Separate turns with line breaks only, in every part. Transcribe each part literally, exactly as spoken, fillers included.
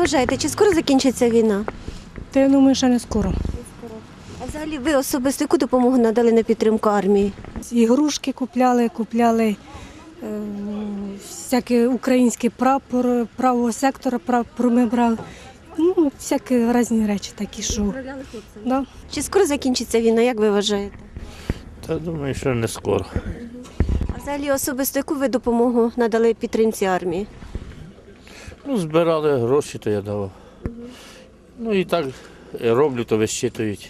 вважаєте, чи скоро закінчиться війна?
Та я думаю, що не скоро.
А взагалі ви особисто яку допомогу надали на підтримку армії?
Ігрушки купляли, купляли е, всякі українські прапор, правого сектора прапор ми брали. Ну, всякі різні речі такі, що. Да.
Чи скоро закінчиться війна, як ви вважаєте?
Та думаю, що не скоро.
А взагалі особисто яку ви допомогу надали підтримці армії?
Ну, збирали гроші, то я давав. Ну і так роблю, то вищитують.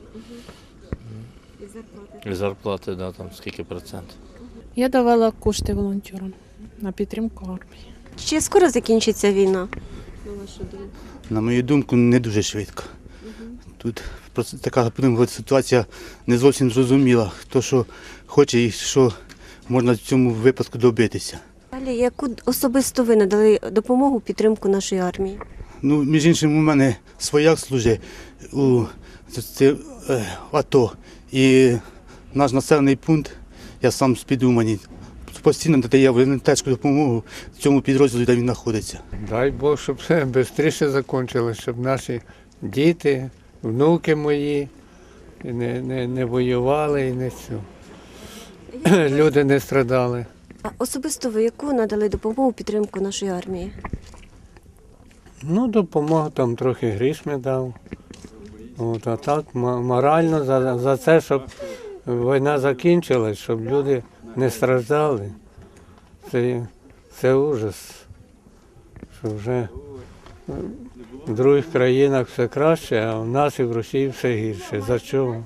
І зарплати, да, там скільки процентів.
Я давала кошти волонтерам на підтримку армії.
Чи скоро закінчиться війна?
На мою думку, не дуже швидко. Тут просто така будемо говорити, ситуація не зовсім зрозуміла, хто що хоче і що можна в цьому випадку добитися.
Далі, яку особисто ви надали допомогу підтримку нашої армії?
Ну, між іншим, у мене свояк служить у це, е, АТО. І наш населений пункт, я сам з Підумані, постійно надає волонтерську допомогу цьому підрозділу, де він знаходиться.
Дай Бог, щоб все швидше закінчилося, щоб наші діти, внуки мої не, не, не воювали і не все. Люди не страдали.
А особисто ви яку надали допомогу підтримку нашої армії?
Ну, допомогу там трохи грішми дав. От, а так м- морально за, за це, щоб війна закінчилась, щоб люди не страждали. Це, це ужас. Що вже в других країнах все краще, а в нас і в Росії все гірше. За чого?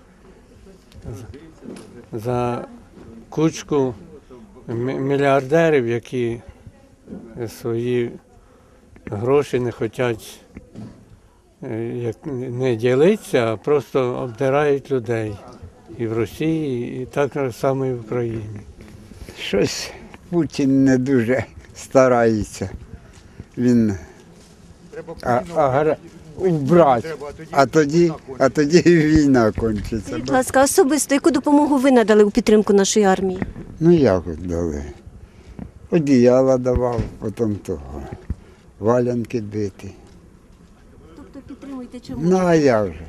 За, за кучку м- мільярдерів, які свої гроші не хочуть як не ділитися, а просто обдирають людей. І в Росії, і так само і в Україні.
Щось Путін не дуже старається. Він а, а, убрати, а тоді, а тоді і війна кончиться.
Будь ласка, особисто яку допомогу ви надали у підтримку нашої армії?
Ну як от дали? Одіяла давав, потім того. Валянки бити.
Тобто підтримуєте чому?
Ну а я вже.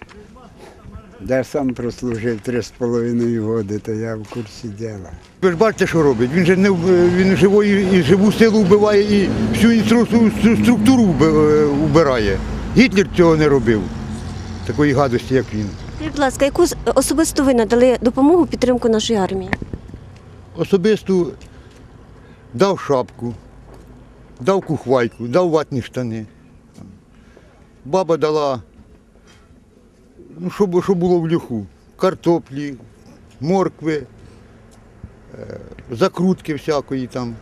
Я сам прослужив три з половиною роки, то я в курсі діла.
Ви ж бачите, що робить. Він же не в- він живу, і живу силу вбиває і всю інстру- структуру вби- вбирає. Гітлер цього не робив, такої гадості, як він.
Скажіть, будь ласка, яку з- особисто ви надали допомогу підтримку нашої армії?
Особисто дав шапку, дав кухвайку, дав ватні штани. Баба дала, ну, що, бу- що було в льоху, картоплі, моркви, е, закрутки всякої там.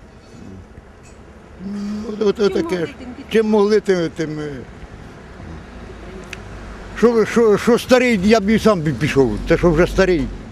Ну, От, от, таке ж. Чим могли, тим. тим е. Що, що, що старий, я б і сам би пішов, те, що вже старий.